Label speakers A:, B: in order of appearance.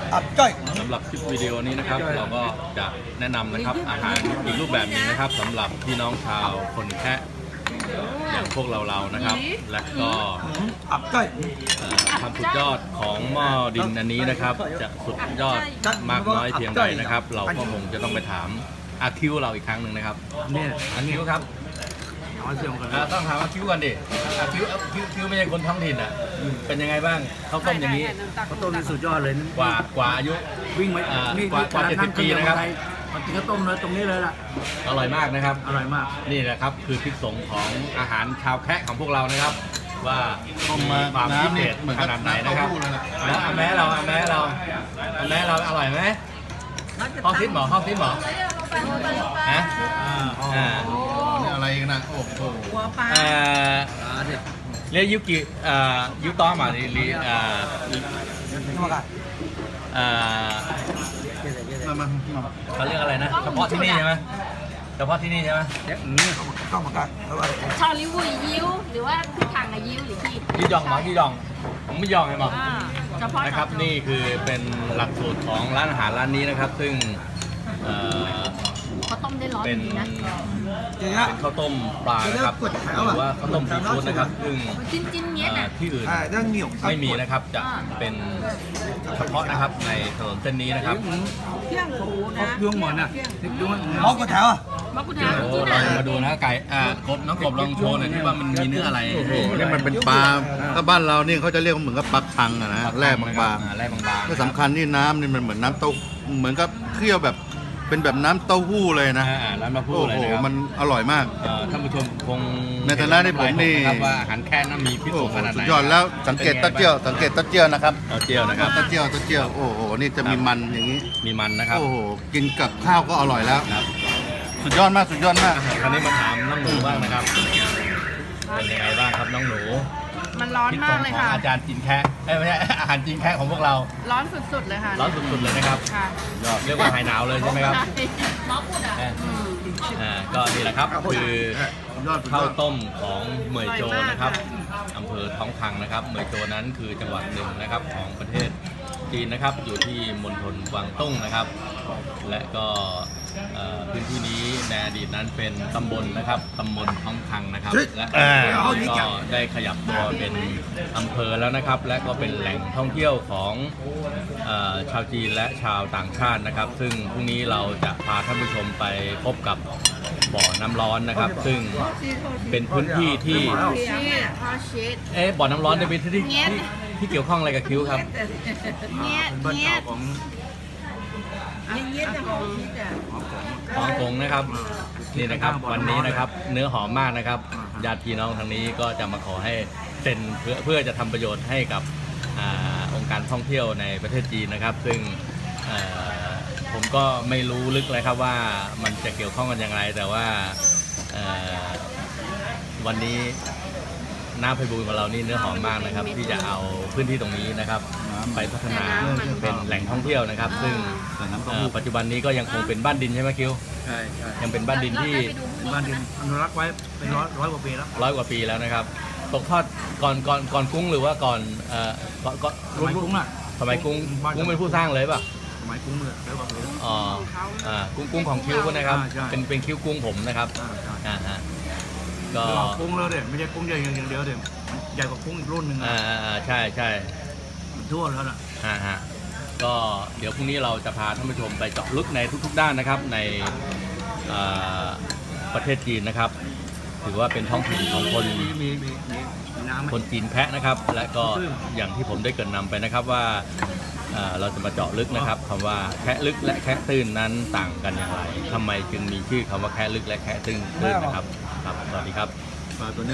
A: อับจ้อย
B: สำหรับคลิปวิดีโอนี้นะครับเราก็จะแนะนำนะครับอาหารอีกรูปแบบหนึงนะครับสำหรับพี่น้องชาวคนแคะอย่างพวกเรานะครับและก็
A: อับจ้อย
B: ความสุดยอดของหม้อดินอันนี้นะครับจะสุดยอดมากน้อยเพียงใดนะครับเราก็คงจะต้องไปถามอาคิวเราอีกครั้งหนึ่งนะครับ
C: เนี่ย
B: อาคิวครับต้องถามอาคิวกันดิอาคิวไม่ใช่คนท้องถิ่นอ่ะเป็นยังไงบ้างข้าวต้มอย่างนี้
C: ข้าวต้มนี่สุดยอดเลย
B: กว่าอายุ
C: วิ่งไหมนี่
B: กว่า70 ปีนะครับ
C: มันกินข้าวต้มเลยตรงนี้เลยล่ะ
B: อร่อยมากนะครับ
C: อร่อยมาก
B: นี่แหละครับคือพิษสงของอาหารชาวแคะของพวกเรานะครับว่ามีความพิเศษขนาดไหนนะครับแล้วแม้เราอร่อยไหมห้องทิศหมอฮะ
A: นี่อะไรกันนะโอ้โห
B: เรียกยุต้อมาดิเขาเรียกอะไรนะเฉพาะที่นี่ใช่ไหม
A: ต้องมากัน
D: ชอลิวุยยิ้วหรือว่าทางยิ้วหรือที่
B: ยี่ยองหมอยี่ยองผมไม่ยองไงหมอนะครับนี่คือเป็นหลักสูตรของร้านอาหารร้านนี้นะครับซึ่ง
D: ข้าวต้มได้ร้อนดีนะ
B: เป็นข้าวต้มปลานะครับหรือว่าข้าวต้มซีฟู้ดนะครับซึ่งที่อื่นไม่มีนะครับจะเป็นเฉพาะนะครับในถนนเส้นนี้นะครับ
C: เที่ยงหูนะเที่ยงหมอนอ่ะ
A: มอกกระแถว
B: เราจะมาดูนะไก่น้องกบลองโชว์หน่อยที่ว่ามันมีเนื้ออะไร
E: โอ้โหนี่มันเป็นปลาถ้าบ้านเรานี่เขาจะเรียกว่าเหมือนกับปลาคังอะนะแร่บางๆที่สำคัญนี่น้ำนี่มันเหมือนน้ำเต้าเหมือนกับเคี่ยวแบบเป็นแบบน้ำเต้าหู้เลยนะ
B: น้ำเต้าหู้เลยนะครับ
E: มันอร่อยมาก
B: ท่านผู้ชมคง
E: ในฐานะที่ผมนี่
B: ว่าอาหารแค่นั้นมีพิษสงขนาดไหน
E: สุดยอดแล้วสังเกตเต้าเจี้ยวนะครับ
B: เต้าเจี้ยวนะครับ
E: เต้าเจี้ยวโอ้โหนี่จะมีมันอย่างนี้
B: มีมันนะครับ
E: โอ้โหกินกับข้าวก็อร่อยแล้วสุดยอดมาก
B: คราวนี้มาถามน้องหนูบ้างนะครับเป็นยังไงบ้างครับน้องหนู
D: มันร้อนมากเลยค่ะ
B: อาจารย์จีนแคะไม่ใช่อาหารจีนแคะของพวกเรา
D: ร้อนสุดๆเลยค่ะ
B: ร้อนสุดๆเลยนะครับเรียกว่าหายหนาวเลยใช่ไหมครับก็นี่แหละครับคือข้าวต้มของเหมยโจนะครับอำเภอท้องพังนะครับเหมยโจนั้นคือจังหวัดหนึ่งนะครับของประเทศจีนนะครับอยู่ที่มณฑลกวางตุ้งนะครับและก็พื้นที่นี้ในอดีตนั้นเป็นตำบลนะครับตำบลท้องพังนะครับและก็ได้ขยับตัวเป็นอำเภอแล้วนะครับและก็เป็นแหล่งท่องเที่ยวของชาวจีนและชาวต่างชาตินะครับซึ่งพรุ่งนี้เราจะพาท่านผู้ชมไปพบกับบ่อน้ำร้อนนะครับซึ่งเป็นพื้นที่ที่บ่อน้ำร้อนเป็นพื้นที่ที่เกี่ยวข้องอะไรกับคิ้วครับฮ่องกงนะครับนี่นะครับวันนี้นะครับเนื้อหอมมากนะครับญาติพี่น้องทางนี้ก็จะมาขอให้เซ็นเพื่อจะทำประโยชน์ให้กับองค์การท่องเที่ยวในประเทศจีนนะครับซึ่งผมก็ไม่รู้ลึกเลยครับว่ามันจะเกี่ยวข้องกันอย่างไรแต่ว่าวันนี้น้ำไพบูลย์ของเรานี่เนื้อหอมมากนะครับที่จะเอาพื้นที่ตรงนี้นะครับไปพัฒนาเป็นแหล่งท่องเที่ยวนะครับซึ่งปัจจุบันนี้ก็ยังคงเป็นบ้านดินใช่ไหมคิว
C: ใช่
B: ยังเป็นบ้านดินที่
C: บ้านดินอนุรักษ์ไว้เป็นร้อยกว่าปีแล้ว
B: นะครับตกทอดก่อนกุ้งหรือว่าก่อน
C: สมัยกุ้งอ่ะ
B: สมัยกุ้งเป็นผู้สร้างเลยป่ะ
C: สมัยกุ้งเลยแล้วก็
B: กุ้งของคิวนะครับเป็นคิวกุ้งผมนะครับ
C: ก็กุ้งแล้วเด็ดไม่ใช่กุ้งใหญ่อย่างเดียวเด็ดใหญ่กว่ากุ้งอีกรุ่นหนึ่ง
B: ใช่
C: ทั่วแล้วนะ
B: ก็เดี๋ยวพรุ่งนี้เราจะพาท่านผู้ชมไปเจาะลึกในทุกๆด้านนะครับในประเทศจีนนะครับถือว่าเป็นท้องถิ่นของคนจีนแคะนะครับและก็อย่างที่ผมได้เกริ่นนำไปนะครับว่าเราจะมาเจาะลึกนะครับคำว่าแคะลึกและแคะตื้นนั้นต่างกันอย่างไรทำไมจึงมีชื่อคำว่าแคะลึกและแคะตื้นนะครับสวัสดีครับ